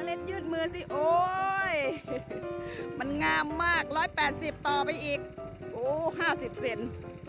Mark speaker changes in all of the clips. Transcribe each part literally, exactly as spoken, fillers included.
Speaker 1: นาเล็ดยืดมือสิโอ้ยมันงามมากร้อยแปดสิบต่อไปอีกโอ้ห้าสิบเซน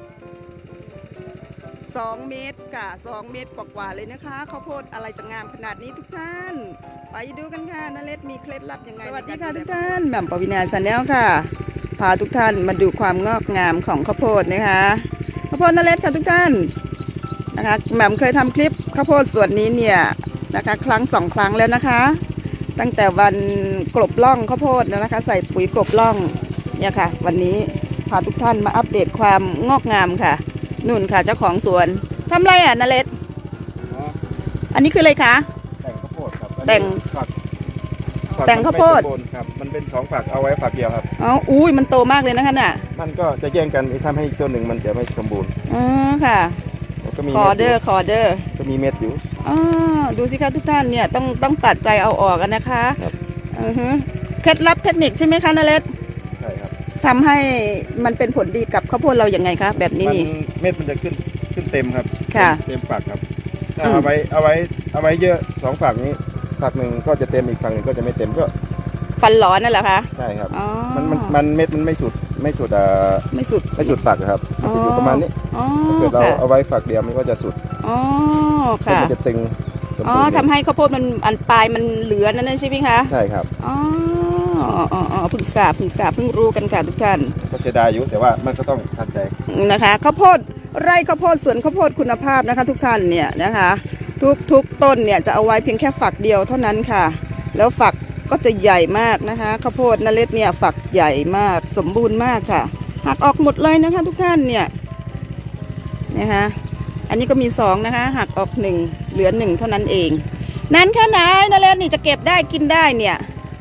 Speaker 1: สองเมตรค่ะสองเมตรกว่าๆเลยนะคะข้าวโพดอะไรจะงามขนาดนี้ทุกท่านไปดูกันค่ะนาเล็ดมีเคล็ดลับยังไงสวัสดีค่ะทุกท่านแหม่มปวินาชาแนลค่ะพาทุกท่านมาดูความงอกงามของข้าวโพดนะคะข้าวโพดนาเล็ดค่ะทุกท่านนะคะแหม่มเคยทำคลิปข้าวโพดส่วนนี้เนี่ยนะคะครั้งสองครั้งแล้วนะคะตั้งแต่วันกลบล่องข้าวโพดนะคะใส่ปุ๋ยกลบล่องเนี่ยค่ะวันนี้พาทุกท่านมาอัปเดตความงอกงามค่ะนุ่นค่ะเจ้าของสวนทำไรอ่ะนาเล็ดอันนี้คืออะไรคะ
Speaker 2: แต่งข้าวโพดครับ
Speaker 1: แต่ง
Speaker 2: ฝัก
Speaker 1: แต่งข้าวโพด
Speaker 2: ครับมันเป็นสองฝักเอาไว้ฝักเดียวครับ
Speaker 1: อ๋ออุ้ยมันโตมากเลยนะคะน่ะ
Speaker 2: มันก็จะแย่งกันทำให้ตัวหนึ่งมันจะไม่สมบูรณ์
Speaker 1: อ๋อค่ะคอเดอร์คอเดอร์
Speaker 2: ก็มีเม็ดอยู่
Speaker 1: อ๋อดูสิคะทุกท่านเนี่ยต้องต้องตัดใจเอาออกกันนะคะ
Speaker 2: ครับ
Speaker 1: อือฮึเคล็ดลับเทคนิคใช่ไหมคะนาเล็ด
Speaker 2: ใช่ครับ
Speaker 1: ทำให้มันเป็นผลดีกับข้าวโพดเราอย่างไงคะแบบนี้นี่
Speaker 2: เม็ดมันจะขึ้นขึ้นเต็มครับ
Speaker 1: ค่ะ
Speaker 2: เต็มฝักครับถ้าเอาไว้เอาไว้เอาไว้เยอะสองฝักนี้ฝักหนึ่งก็จะเต็มอีกฝักหนึ่งก็จะไม่เต็มก็
Speaker 1: ฟันหลอนนั่นแหละคะ
Speaker 2: ใช่ครับมันมันมันเม็ดมันไม่สุดไม่สุดอ่า
Speaker 1: ไม่สุด
Speaker 2: ไม่สุดฝักครับมันจะอยู่ประมาณนี้ถ้าเกิดเราเอาไว้ฝักเดียวมันก็จะสุด
Speaker 1: อ๋อค่ะ
Speaker 2: มันจะตึง
Speaker 1: อ๋อทำให้ข้าวโพดมันอันปลายมันเหลือนั่นใช่ไหมคะ
Speaker 2: ใช่ครับ
Speaker 1: อ๋ออ๋ออ๋อพึ่งทราบพึ่งทราบพึ่งรู้กันค่ะทุกท่าน
Speaker 2: ก็เสียดายอยู่แต่ว่ามันก็ต้องทันใจ
Speaker 1: นะคะข้าวโพดไร่ข้าวโพดสวนข้าวโพดคุณภาพนะคะทุกท่านเนี่ยนะคะทุกทุกต้นเนี่ยจะเอาไว้เพียงแค่ฝักเดียวเท่านั้นค่ะแล้วฝักก็จะใหญ่มากนะคะข้าวโพดนาเล็ดเนี่ยฝักใหญ่มากสมบูรณ์มากค่ะหักออกหมดเลยนะคะทุกท่านเนี่ยนะคะอันนี้ก็มีสองนะคะหักออกหนึ่งเหลือหนึ่งเท่านั้นเองนั้นแค่ไหนนาเล็ดนี่จะเก็บได้กินได้เนี่ย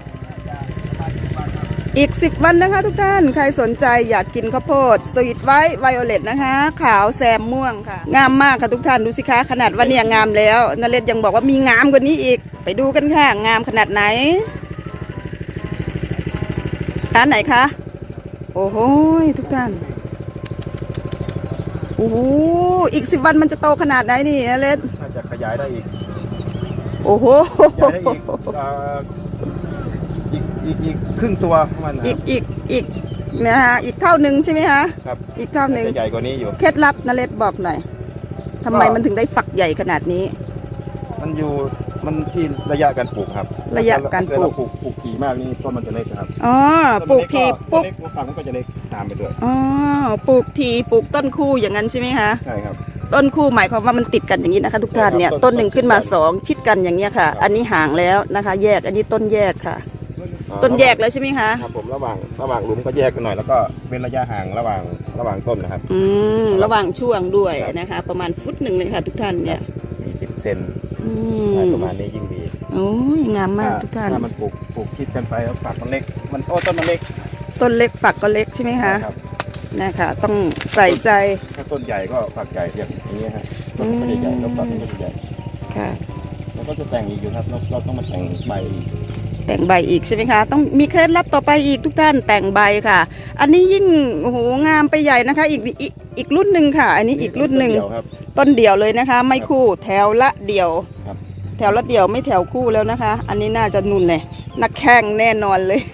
Speaker 1: อีกสิบวันนะคะทุกท่านใครสนใจอยากกินข้าวโพดสวีทไวท์ไวโอเลตนะคะขาวแซมม่วงค่ะงามมากค่ะทุกท่านดูสิคะขนาดว่าเนี่ยงามแล้วนาเล็ดยังบอกว่ามีงามกว่านี้อีกไปดูกันค่ะงามขนาดไหนร้านไหนคะโอ้โหทุกท่านโอ้โหอีกสิบวันมันจะโตขนาดไหนนี่นาเล็ด
Speaker 2: น่าจะขยายได้อีก
Speaker 1: โอ้โห
Speaker 2: ขยายได้อีกอีกอีกอีกครึ่งตัวมัน
Speaker 1: อีกอีกอีกนะฮะอีกเท่านึงใช่ไหมคะ
Speaker 2: ครับ
Speaker 1: อีกเท่านึง
Speaker 2: ใหญ่กว่านี้อยู่
Speaker 1: เคล็ดลับนาเล็ดบอกหน่อยทำไมมันถึงได้ฝักใหญ่ขนาดนี้
Speaker 2: มันอยู่มันที่ระยะการปลูกครับ
Speaker 1: ระยะการปลูก
Speaker 2: ปลูกปลูกถี่มากนี่ต้นมันจะเล็กครับ
Speaker 1: อ๋อปลูกที
Speaker 2: ปุ๊บฝักมันก็จะเล็กตามไปด้วย
Speaker 1: อ๋อปลูกทีปลูกต้นคู่อย่างนั้นใช่ไหมคะ
Speaker 2: ใช่ครับ
Speaker 1: ต้นคู่หมายความว่ามันติดกันอย่างนี้นะคะทุกท่านเนี่ยต้นหนึ่งขึ้นมาสองชิดกันอย่างเงี้ยค่ะอันนี้ห่างแล้วนะคะแยกอันนี้ต้นแยกค่ะต้นแยกแล้วใช่ไหมคะ
Speaker 2: ครับผมระหว่างระหว่างหลุมก็แยกกันหน่อยแล้วก็เป็นระยะห่างระหว่างระหว่างต้นนะครับ
Speaker 1: อืมระหว่างช่วงด้วยนะคะประมาณฟุตหนึ่งเลยค่ะทุกท่านเนี่ย
Speaker 2: สี่สิบเซนประมาณนี้ยิ่งดี
Speaker 1: โอ้ยงามมากทุกท่าน
Speaker 2: ถ้ามันปลูกปลูกคิดกันไปแล้วฝักมันเล็กมันโอ้ต้นมันเล็ก
Speaker 1: ต้นเล็กฝักก็เล็กใช่ไหมคะ
Speaker 2: ครับ
Speaker 1: นะคะต้องใส่ใจ
Speaker 2: ถ้าต้นใหญ่ก็ฝักใหญ่อย่างนี้ฮะต้นไม่ได้ใหญ่แล้วฝักมันก็จะใหญ่
Speaker 1: ค่ะ
Speaker 2: แล้วก็จะแต่งอีกอยู่ครับเราเราต้องมาแต่งใบ
Speaker 1: แต่งใบอีกใช่ไหมคะต้องมีเคล็ดลับต่อไปอีกทุกท่านแต่งใบค่ะอันนี้ยิ่งโอ้โหงามไปใหญ่นะคะอีกอีกอีกรุ่นหนึ่งค่ะอันนี้อีกรุ่นหนึ่งต้นเดี่ยวเลยนะคะไม่คู่แถวละเดี่ยวแถวละเดี่ยวไม่แถวคู่แล้วนะคะอันนี้น่าจะนุ่นเลยนักแข่งแน่นอนเลย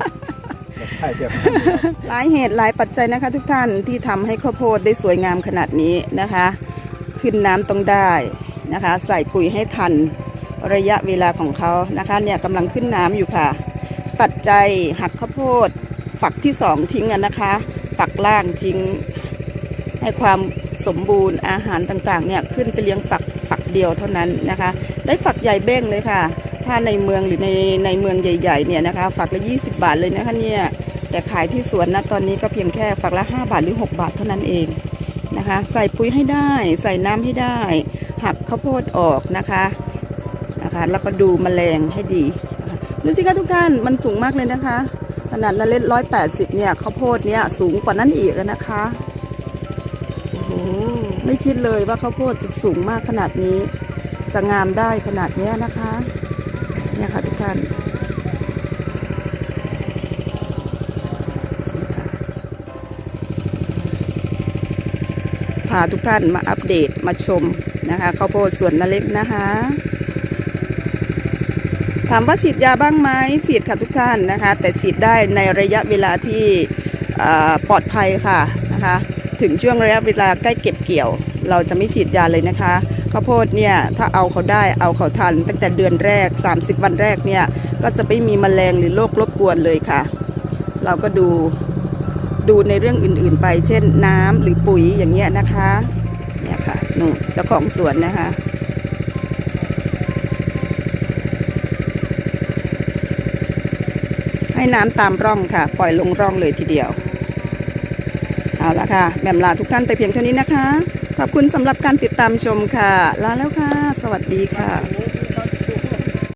Speaker 1: หลายเหตุหลายปัจจัยนะคะทุกท่านที่ทำให้ข้าวโพดได้สวยงามขนาดนี้นะคะขึ้นน้ำต้องได้นะคะใส่ปุ๋ยให้ทันระยะเวลาของเขานะคะเนี่ยกำลังขึ้นน้ำอยู่ค่ะปัจจัยหักข้าวโพดฝักที่สองทิ้งกันนะคะฝักล่างทิ้งให้ความสมบูรณ์อาหารต่างๆเนี่ยขึ้นไปเลี้ยงฝักฝักเดียวเท่านั้นนะคะได้ฝักใหญ่เบ้งเลยค่ะถ้าในเมืองหรือในในเมืองใหญ่ๆเนี่ยนะคะฝักละยี่สิบบาทเลยนะคะเนี่ยแต่ขายที่สวนนะตอนนี้ก็เพียงแค่ฝักละห้าบาทหรือหกบาทเท่านั้นเองนะคะใส่ปุ๋ยให้ได้ใส่น้ำให้ได้หักข้าวโพดออกนะคะนะคะแล้วก็ดูแมลงให้ดีดูสิคะทุกท่านมันสูงมากเลยนะคะขนาดนาเล็ดร้อยแปดสิบเนี่ยข้าวโพดเนี่ยสูงกว่านั้นอีกนะคะโอ้โหไม่คิดเลยว่าข้าวโพดจะสูงมากขนาดนี้จะงามได้ขนาดนี้นะคะเนี่ยค่ะทุกท่านพาทุกท่านมาอัปเดตมาชมนะคะข้าวโพดสวนนาเล็กนะคะถามว่าฉีดยาบ้างไหมฉีดค่ะทุกท่านนะคะ แต่ฉีดได้ในระยะเวลาที่ปลอดภัยค่ะนะคะถึงช่วงระยะเวลาใกล้เก็บเกี่ยว เราจะไม่ฉีดยาเลยนะคะข้าวโพดเนี่ยถ้าเอาเขาได้เอาเขาทันตั้งแต่เดือนแรกสามสิบวันแรกเนี่ยก็จะไม่มีแมลงหรือโรครบกวนเลยค่ะเราก็ดูดูในเรื่องอื่นๆไปเช่นน้ำหรือปุ๋ยอย่างเงี้ยนะคะเนี่ยค่ะนู่นเจ้าของสวนนะคะให้น้ำตามร่องค่ะปล่อยลงร่องเลยทีเดียวเอาละค่ะแหม่มลาทุกท่านไปเพียงเท่านี้นะคะขอบคุณสำหรับการติดตามชมค่ะลาแล้วค่ะสวัสดีค่ะ